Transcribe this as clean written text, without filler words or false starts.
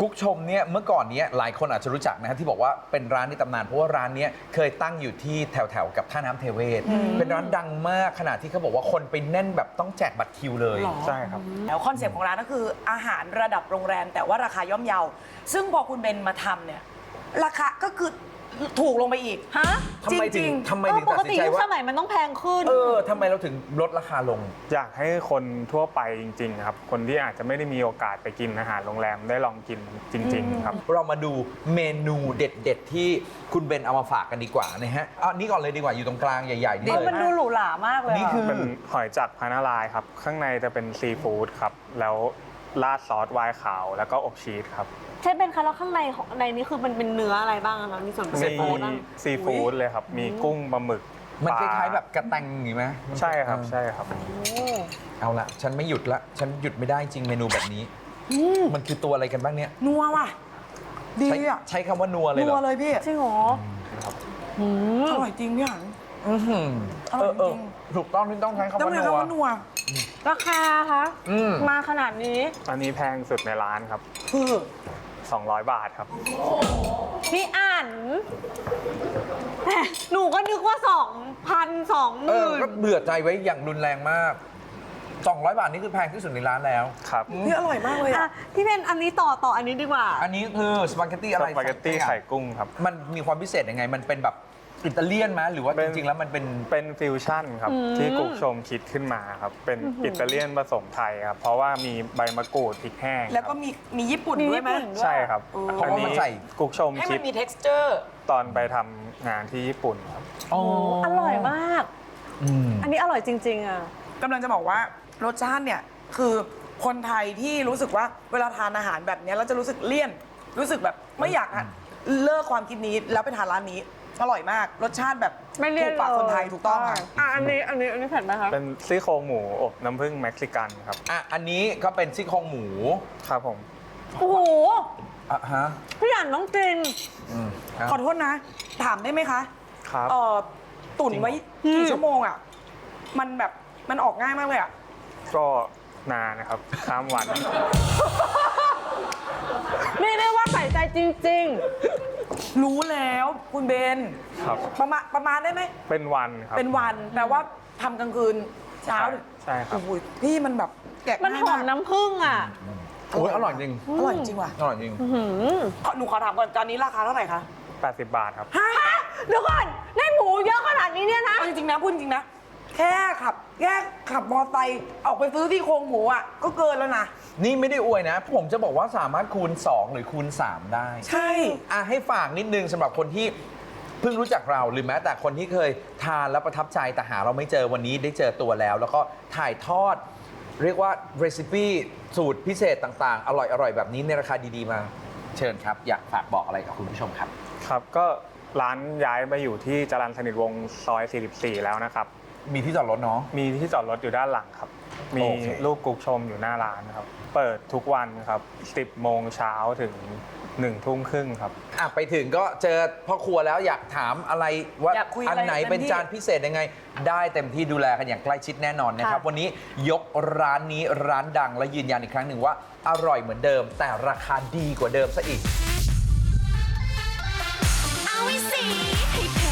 กุ๊กชมเนี่ยเมื่อก่อนเนี้ยหลายคนอาจจะรู้จักนะฮะที่บอกว่าเป็นร้านในตำนานเพราะว่าร้านเนี้ยเคยตั้งอยู่ที่แถวๆกับท่าน้ำเทเวศเป็นร้านดังมากขนาดที่เขาบอกว่าคนไปแน่นแบบต้องแจกบัตรคิวเลยใช่ครับแล้วคอนเซ็ปต์ของร้านก็คืออาหารระดับโรงแรมแต่ว่าราคาย่อมเยาซึ่งพอคุณเบนมาทำเนี่ยราคาก็คือถูกลงไปอีกฮะทำไมถึงปตัดกสิตินใจยุคว่าสมัยมันต้องแพงขึ้นทำไมเราถึงลดราคาลงอยากให้คนทั่วไปจริงๆครับคนที่อาจจะไม่ได้มีโอกาสไปกินอาหารโรงแรมได้ลองกินจริงๆครับเรามาดูเมนูเด็ดๆที่คุณเบนเอามาฝากกันดีกว่านะฮะเอานี่ก่อนเลยดีกว่าอยู่ตรงกลางใหญ่ๆนี่เลยมันดูหรูหรามากเลยนี่คือเป็นหอยจักรพานาลายครับข้างในจะเป็นซีฟู้ดครับแล้วราดซอสไวน์ขาวแล้วก็อบชีสครับใช่เป็นคะแล้วข้างในของในนี้คือมันเป็นเนื้ออะไรบ้างคะมีส่วนผสมีมอะไรบ้างซีฟู้ดเลยครับมีกุ้งปลาหมึกมันคปลล้ายๆแบบกระแตงอย่างนี้ไหมใช่ครับใช่ครับเอาละฉันไม่หยุดละฉันหยุดไม่ได้จริงเมนูแบบนี้มันคือตัวอะไรกันบ้างเนี่ยนัวว่ะดีใช้อ่ะใช้คำว่านัวเลยเหรนัวอเลยพี่จริงเหรออร่อยจริงพี่หันอื้อหืออร่อยจริงถูกต้องที่ต้องใช้คำต้องว่าเรียกนัวว่านัวราคาคะ มาขนาดนี้อันนี้แพงสุดในร้านครับคือ 200 บาทครับพี่อ่านแหมหนูก็นึกว่า 2,000 ก็ 20,000 เบื่อใจไว้อย่างรุนแรงมาก200 บาทนี่คือแพงที่สุดในร้านแล้วครับพี่อร่อยมากเลยอ่ะอ่ะพี่เป็นอันนี้ต่ออันนี้ดีกว่าอันนี้คือสปาเกตตี้สอะไรปาเกตตี้ไข่กุ้งครับมันมีความพิเศษยังไงมันเป็นแบบอิตาเลียนไหมหรือว่าเป็จนริงๆแล้วมันเป็นเป็นฟิวชั่นครับที่กุ๊กชมคิดขึ้นมาครับเป็นอิตาเลียนผสมไทยครับเพราะว่ามีใบมะกรูดพริกแห้งแล้วก็ครับมีญี่ปุ่นด้วยไหมมีญี่ปุ่นใช่ครับเพราะว่ามันใส่กุ๊กชมให้คิมัดนมี texture ตอนไปทำงานที่ญี่ปุ่นครับอ๋ออร่อยมากอืมอันนี้อร่อยจริง ๆ อ่ะกำลังจะบอกว่ารสชาติเนี่ยคือคนไทยที่รู้สึกว่าเวลาทานอาหารแบบเนี้ยเราจะรู้สึกเลี่ยน รู้สึกแบบไม่อยากเลิกความคิดนี้แล้วไปทานร้านนี้อร่อยมากรสชาติแบบไม่เลี่ยถูนกปากคนไทยถูกต้องค่ะอันนี้เผ็ดไหมคะเป็นซี่โครงหมูอบน้ำผึ้งเม็กซิกันครับอันนี้ก็เป็นซี่โครงหมูครับผมโอ้โหอ่ะฮะพี่อ่านต้องกินครับขอโทษนะ ถามได้ไหมคะครับตุ๋นไว้กี่ชั่วโมงอ่ะมันแบบมันออกง่ายมากเลยอ่ะก็นานนะครับข้ามวันไม่ได้ว่าใส่ใจจริงรู้แล้วคุณเบนครับประมาณได้ไหมเป็นวันครับเป็นวันแปลว่าทำกลางคืนเช้าใช่ครับโอ้ยพี่มันแบบแกะๆ มันง่ายหอมาม กน้ำผึ้งอ่ะโอ้ยอร่อยจริงอร่อยจริงว่ะอร่อยจริงหนูขอถามก่อนตอนนี้ราคาเท่าไหร่คะ 80 บาทครับฮะเดี๋ยวก่อนได้หมูเยอะขนาดนี้เนี่ยนะเอาจริงๆนะพูดจริงๆนะแค่ขับมอไซค์ออกไปซื้อที่โครงหมูอ่ะก็เกินแล้วนะนี่ไม่ได้อวยนะ ผมจะบอกว่าสามารถคูณ 2 หรือคูณ 3 ได้ใช่ให้ฝากนิดนึงสำหรับคนที่เพิ่งรู้จักเราหรือแม้แต่คนที่เคยทานแล้วประทับใจแต่หาเราไม่เจอวันนี้ได้เจอตัวแล้ว แล้วก็ถ่ายทอด เรียกว่าเรซิปีสูตรพิเศษต่างๆ อร่อยๆ แบบนี้ในราคาดีๆมา เชิญครับ อยากฝากบอกอะไรกับคุณผู้ชมครับครับ ก็ร้านย้ายมาอยู่ที่จรัญสนิทวงศ์ซอย 44 แล้วนะครับมีที่จอดรถเนาะมีที่จอดรถอยู่ด้านหลังครับ มีโอเครูปกุ๊กชมอยู่หน้าร้านครับ เปิดทุกวันครับ 10 โมงเช้าถึง 1 ทุ่มครึ่งครับไปถึงก็เจอพ่อครัวแล้วอยากถามอะไรว่าอยากคุยอันอะไรไหนเต็มเป็นที่จานพิเศษยังไง ได้เต็มที่ดูแลกันอย่างใกล้ชิดแน่นอนนะครับค่ะวันนี้ยกร้านนี้ร้านดังและยืนยันอีกครั้งหนึ่งว่าอร่อยเหมือนเดิม แต่ราคาดีกว่าเดิมซะอีกเอาไว้สิให้เผ็